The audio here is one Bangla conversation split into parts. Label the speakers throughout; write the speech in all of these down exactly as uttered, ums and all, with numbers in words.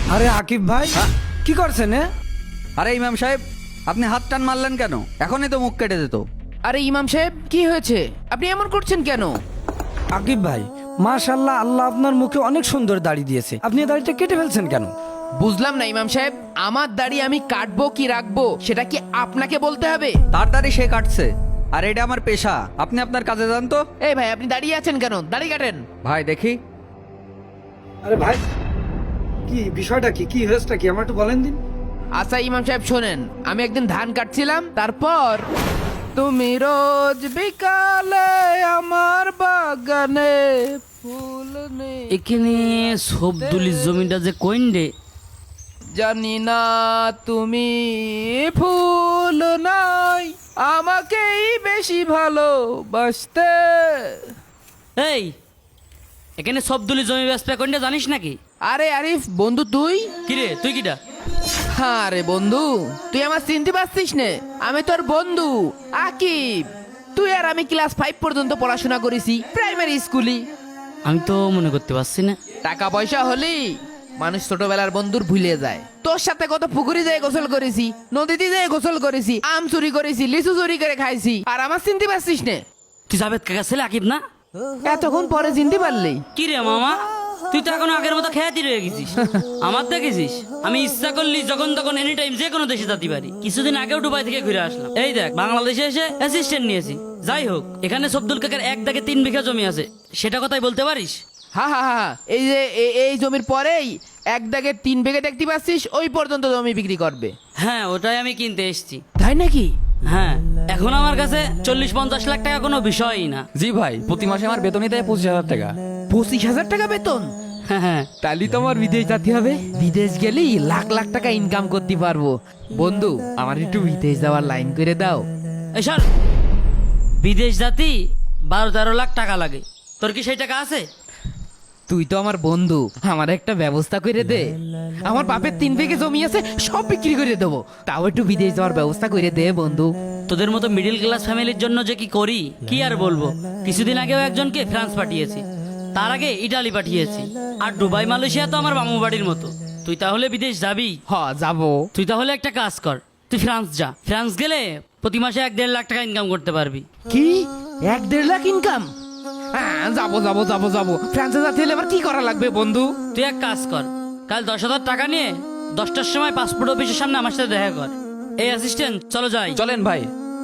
Speaker 1: আরে আকিব ভাই কি করছেন? এ
Speaker 2: আরে ইমাম সাহেব, আপনি হাত টান মারলেন কেন? এখনই তো মুখ কেটে দিত।
Speaker 3: আরে ইমাম সাহেব কি হয়েছে? আপনি এমন করছেন কেন?
Speaker 1: আকিব ভাই, মাশাআল্লাহ, আল্লাহ আপনার মুখে অনেক সুন্দর দাড়ি দিয়েছে, আপনি এই দাড়িটা কেটে ফেলছেন কেন?
Speaker 3: বুঝলাম না ইমাম সাহেব, আমার দাড়ি আমি কাটবো কি রাখবো সেটা কি আপনাকে বলতে হবে?
Speaker 2: তার দাড়ি সে কাটছে, আর এটা আমার পেশা। আপনি আপনার কাজে যান তো।
Speaker 3: এই ভাই, আপনি দাঁড়িয়ে আছেন কেন? দাড়ি কাটেন।
Speaker 2: ভাই দেখি।
Speaker 1: আরে ভাই, কি বিষয়টা কি কি হয়েছেটা কি আমার একটু বলেন দিন।
Speaker 3: আচ্ছা ইমাম সাহেব শোনেন, আমি একদিন ধান কাটছিলাম, তারপর তুমি রোজ বিকালে আমার বাগানে ফুল নেই।
Speaker 4: এখানে সবদুলির জমিটা যে কইন রে?
Speaker 3: জানি না তুমি ফুল নাই আমাকেই বেশি ভালোবাসতে।
Speaker 4: এই, এখানে সবদুলির জমি ব্যবসা কইনটা জানিস নাকি?
Speaker 3: আরে আরিফ বন্ধু, তুই?
Speaker 4: কিরে তুই কিটা?
Speaker 3: হ্যাঁ রে বন্ধু, তুই আমার চিনতে পারছিস নে? আমি তোর বন্ধু আকিব। তুই আর আমি ক্লাস ফাইভ পর্যন্ত পড়াশোনা করেছি প্রাইমারি স্কুলে।
Speaker 4: আমি তো মনে করতে পারছি না।
Speaker 3: টাকা পয়সা হলেই মানুষ ছোটবেলার বন্ধুর ভুলে যায়। তোর সাথে কত পুকুরে যেয়ে গোসল করেছি, নদীতে যেয়ে গোসল করেছি, আম চুরি করেছি, লিচু চুরি করে খাইছি, আর আমার চিনতে পারছিস নে?
Speaker 4: তুই জাবেদ কাকা ছেলে আকিব না?
Speaker 3: এতক্ষণ পরে চিনতে পারলি?
Speaker 4: কি রে মামা, তুই তো এখন আগের মতো খেয়াতি রয়ে গেছিস। আমার দেখেছিস আমি ইচ্ছা করলি যখন তখন এনি টাইম যে কোনো দেশে যেতে পারি। কিছুদিন আগেও দুবাই থেকে ঘুরে আসলাম। এই দেখ, বাংলাদেশে এসে অ্যাসিস্ট্যান্ট নিয়েছি। যাই হোক, এখানে সবদুল কাকার এক দাগে তিন বিঘা জমি আছে, সেটা কথাই বলতে পারিস?
Speaker 3: হা হা হা, এই যে এ- এই জমির পরেই এক দাগে তিন বিঘে দেখতে পাচ্ছিস, ওই পর্যন্ত জমি বিক্রি করবে।
Speaker 4: হ্যাঁ, ওটাই আমি কিনতে এসেছি।
Speaker 3: তাই নাকি?
Speaker 4: হ্যাঁ, এখন আমার কাছে চল্লিশ পঞ্চাশ লাখ টাকা কোনো বিষয়ই না।
Speaker 5: জি ভাই, প্রতি মাসে আমার বেতনই দেয় পঁচিশ হাজার টাকা।
Speaker 3: পঁচিশ হাজার টাকা বেতন?
Speaker 4: হ্যাঁ হ্যাঁ,
Speaker 3: তাহলে তো আমার বিদেশ যেতে হবে। বিদেশ গেলেই লাখ লাখ টাকা ইনকাম করতে পারবো। বন্ধু, আমার একটু বিদেশ যাওয়ার লাইন করে দাও।
Speaker 4: এসব বিদেশ জাতি বারো তেরো লাখ টাকা লাগে, তোর কি সেই টাকা আছে?
Speaker 3: তুই তো আমার বন্ধু, আমার একটা ব্যবস্থা করে দে। আমার বাপের তিন বিঘে জমি আছে, সব বিক্রি করে দেবো, তাও একটু বিদেশ যাওয়ার ব্যবস্থা করে দে বন্ধু।
Speaker 4: তোদের মতো মিডিল ক্লাস ফ্যামিলির জন্য যে কি করি কি আর বলবো। কিছুদিন আগেও একজনকে ফ্রান্স পাঠিয়েছি, তার আগে ইটালি পাঠিয়েছি, আর দুবাই মালয়েশিয়া তো আমার মামু বাড়ির মতো। তুই তাহলে বিদেশ যাবি?
Speaker 3: হ, যাবো।
Speaker 4: তুই তাহলে একটা কাজ কর, তুই ফ্রান্স যা। ফ্রান্স গেলে প্রতি মাসে এক দেড় লাখ টাকা ইনকাম করতে পারবি।
Speaker 3: কি, এক দেড় লাখ ইনকাম? হ্যাঁ, যাবো যাবো যাবো যাবো। ফ্রান্সে যেতে হলে আবার কি করা লাগবে বন্ধু?
Speaker 4: তুই এক কাজ কর, কাল দশ হাজার টাকা নিয়ে দশটার সময় পাসপোর্ট অফিসের সামনে আমার সাথে দেখা কর। এই অ্যাসিস্ট্যান্ট, চলো যাই।
Speaker 5: চলেন ভাই।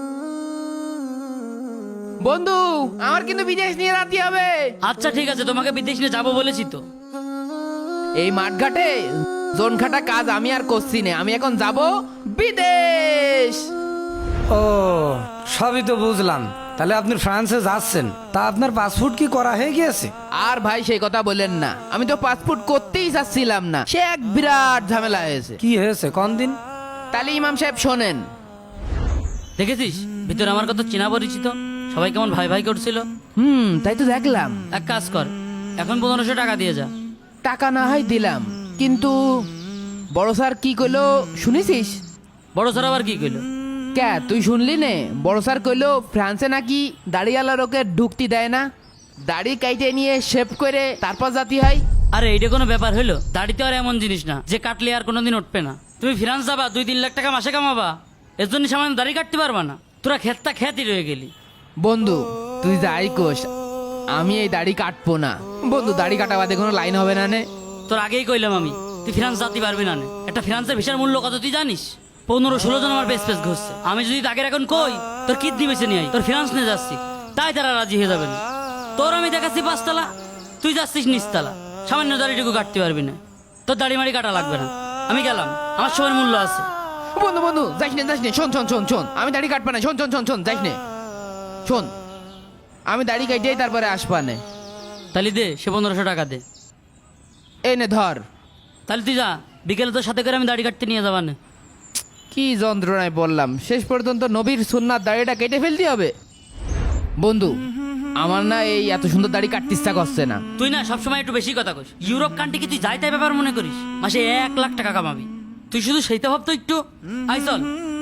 Speaker 3: বন্ধু, আমার কিন্তু বিদেশ নিয়ে যেতে হবে।
Speaker 4: আচ্ছা ঠিক আছে, তোমাকে বিদেশ নিয়ে যাবো বলেছি তো।
Speaker 3: এই মাঠঘাটে জোন খাটা কাজ আমি আর করছি না, আমি এখন যাব বিদেশ।
Speaker 1: ও, সবই তো বুঝলাম। তাহলে আপনি ফ্রান্সে যাচ্ছেন, তা আপনার পাসপোর্ট কি করা হয়ে গিয়েছে?
Speaker 3: আর ভাই সেই কথা বলেন না, আমি তো পাসপোর্ট করতেই চাচ্ছিলাম না, সে এক বিরাট ঝামেলা হয়েছে।
Speaker 1: কি হয়েছে কোন দিন?
Speaker 3: তাহলে ইমাম সাহেব শোনেন।
Speaker 4: দেখেছিস ভিতরে আমার কত চেনা পরিচিত, সবাই কেমন ভাই ভাই করছিল।
Speaker 3: হুম, তাই তো দেখলাম।
Speaker 4: এক কাজ কর, এখন পনেরোশো টাকা দিয়ে যা।
Speaker 3: টাকা না হয় দিলাম, কিন্তু বড় স্যার কি কইলো শুনেছিস?
Speaker 4: বড় স্যার আবার কি কইলো?
Speaker 3: কে, তুই শুনলি নে? বড় স্যার কইলো ফ্রান্সে নাকি দাড়িওয়ালা লোকে ঢুকতে দেয় না, দাড়ি কাইটে নিয়ে শেভ করে তারপর জাতি হয়।
Speaker 4: আরে এইটা কোনো ব্যাপার হইলো? দাড়িতে আর এমন জিনিস না যে কাটলে আর কোনোদিন উঠবে না। তুমি ফ্রান্স যাবা, দুই তিন লাখ টাকা মাসে কামাবা, এর জন্য সামান্য দাড়ি কাটতে পারবা না? তোরা খেতটা খেতই রয়ে গেলি।
Speaker 3: বন্ধু তুই যাই কোস, আমি এই দাড়ি কাটবো না। বন্ধু, দাড়ি কাটা বাদে কোনো লাইন হবে না নে?
Speaker 4: তোর আগেই কইলাম আমি, তুই ফ্রান্স যাতে পারবি না নে। একটা ফ্রান্সের ভিসার মূল্য কত তুই জানিস? পনেরো ষোলো জন আমার বেশ বেশ ঘুরছে। আমি যদি আগের এখন কই তোর কিডনি বেছে নিয়ে আই, তোর ফ্রান্স নিয়ে যাচ্ছি, তাই তারা রাজি হয়ে যাবে না। তোর আমি দেখাচ্ছি পাঁচতলা, তুই যাচ্ছিস নিচতলা, সামান্য দাড়িটুকু কাটতে পারবি না। তোর দাড়ি মাড়ি কাটা লাগবে না, আমি গেলাম, আমার সময়ের মূল্য আছে।
Speaker 3: বন্ধু বন্ধু যাইস নে যাইস নে, শোন শোন শোন শোন, আমি দাড়ি কাটবা না, শোন শোন শোন শোন, যাইস নে, শোন, আমি দাড়ি কাটিয়েই তারপরে আসবা নে।
Speaker 4: তাহলে দে, সে পনেরোশো টাকা দে।
Speaker 3: এই নে ধর।
Speaker 4: তাহলে তুই যা, বিকেলে তোর সাথে করে আমি দাড়ি কাটতে নিয়ে যাবা না।
Speaker 3: কি যন্ত্রণায় বললাম, শেষ পর্যন্ত নবীর সুন্নাত দাড়িটা কেটে ফেলতে হবে। বন্ধু, আমার না এই এত সুন্দর দাড়ি কাটতে ইচ্ছা করছে না।
Speaker 4: তুই না সবসময় একটু বেশি কথা কইস। ইউরোপ কান্ট্রি কি তুই যাই তাই ব্যাপার মনে করিস? মাসে এক লাখ টাকা কামাবি, তুই শুধু সেইটা ভাবতো একটু। আই চল।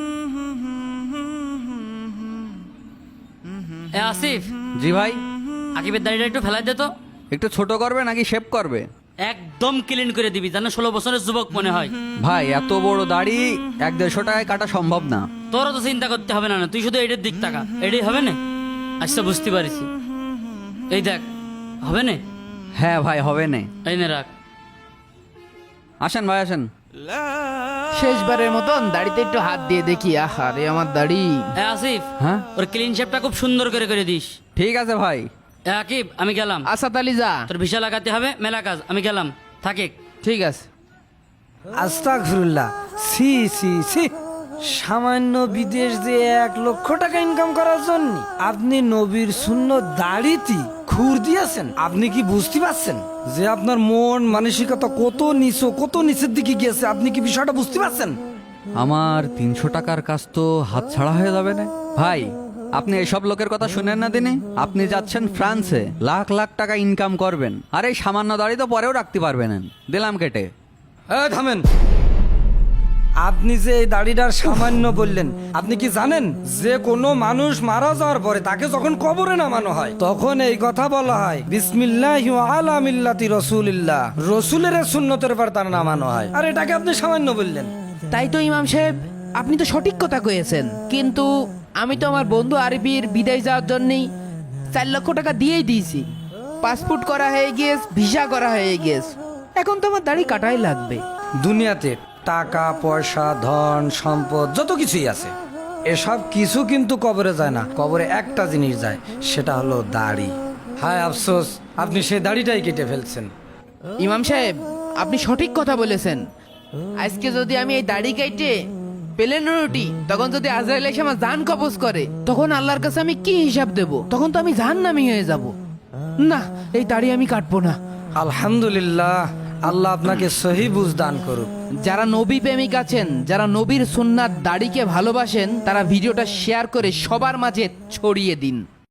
Speaker 4: এ আসিফ,
Speaker 2: জি ভাই।
Speaker 4: আকিবের দাড়িটা একটু ফেলাই দে তো।
Speaker 2: একটু ছোট করবে নাকি শেভ করবে?
Speaker 4: একদম ক্লিন করে দিবি যেন ষোলো বছরের যুবক মনে হয়।
Speaker 2: ভাই এত বড় দাড়ি এক দেড়শো টাকায় কাটা সম্ভব না।
Speaker 4: তোরও তো চিন্তা করতে হবে না, না তুই শুধু এটার দিক টাকা, এটাই হবে না। আচ্ছা বুঝতে পারিছি, এই দেখ হবে না।
Speaker 2: হ্যাঁ ভাই হবে না।
Speaker 4: এই নে রাখ।
Speaker 2: আসেন ভাই আসেন।
Speaker 3: শেষবারের মতন দাড়িতে একটু হাত দিয়ে দেখি। আহা রে আমার দাড়ি।
Speaker 4: এ আসিফ,
Speaker 2: হ্যাঁ
Speaker 4: ওর ক্লিন শেপটা খুব সুন্দর করে করে দিস।
Speaker 2: ঠিক আছে ভাই।
Speaker 4: এ আকিব, আমি গেলাম।
Speaker 3: আসাদ আলী যা।
Speaker 4: তোর ভিসা লাগাতে হবে, মেলা কাজ, আমি গেলাম। থাকে।
Speaker 3: ঠিক আছে।
Speaker 1: আস্তাগফিরুল্লাহ, সি সি সি, সামান্য বিদেশ যে এক লক্ষ টাকা ইনকাম করার জন্য আপনি নবীর সুন্নত দাড়িতে খুর দিয়েছেন। আপনি কি বুঝতে পারছেন যে আপনার মন মানসিকতা কত নিচু, কত নিচের দিকে গিয়েছে? আপনি কি বিষয়টা বুঝতে পারছেন?
Speaker 2: আমার তিনশো টাকার কাজ তো হাত ছাড়া হয়ে যাবে না ভাই। আপনি এসব লোকের কথা শুনেন না দিনে। আপনি যাচ্ছেন ফ্রান্সে, লাখ লাখ টাকা ইনকাম করবেন, আর এই সামান্য দাড়ি তো পরেও রাখতে পারবেন। দিলাম কেটে।
Speaker 1: এই থামেন। আপনি যে এই দাড়িটার সামান্য বললেন, আপনি কি জানেন যে কোনো মানুষ মারা যাওয়ার পরে তাকে যখন কবরে নামানো হয় তখন এই কথা বলা হয়, বিসমিল্লাহি ওয়া আলা মিল্লাতি রাসূলিল্লাহ, রাসূলের সুন্নতের পর তার নামানো হয়। আর এটাকে আপনি সামান্য বললেন।
Speaker 3: তাই তো ইমাম সাহেব, আপনি তো সঠিক কথা কয়েছেন, কিন্তু আমি তো আমার বন্ধু আরবির বিদেশ যাওয়ার জন্যই চার লক্ষ টাকা দিয়েই দিয়েছি। পাসপোর্ট করা হয়ে গিয়েছে, ভিসা করা হয়ে গিয়েছে, এখন তো আমার দাড়ি কাটাই লাগবে।
Speaker 1: দুনিয়াতে টাকা পয়সা ধন সম্পদ যত কিছুই আছে, এসব কিছু কিন্তু কবরে যায় না। কবরে একটা জিনিস যায়, সেটা হলো দাড়ি। হায় আফসোস, আপনি সেই দাড়িটাই কেটে ফেলছেন।
Speaker 3: ইমাম সাহেব, আপনি সঠিক কথা বলেছেন। আজকে যদি আমি এই দাড়ি কেটে পেলেন রুটি, তখন যদি আজরাইল এসে আমার জান কবজ করে, তখন আল্লাহর কাছে আমি কি হিসাব দেব? তখন তো আমি জাহান্নামী হয়ে যাব। না, এই দাড়ি আমি কাটবো না।
Speaker 1: আলহামদুলিল্লাহ, আল্লাহ আপনাকে সহি বুঝ দান করুক।
Speaker 3: যারা নবী প্রেমিক আছেন, যারা নবীর সুন্নাত দাড়িকে ভালোবাসেন, তারা ভিডিওটা শেয়ার করে সবার মাঝে ছড়িয়ে দিন।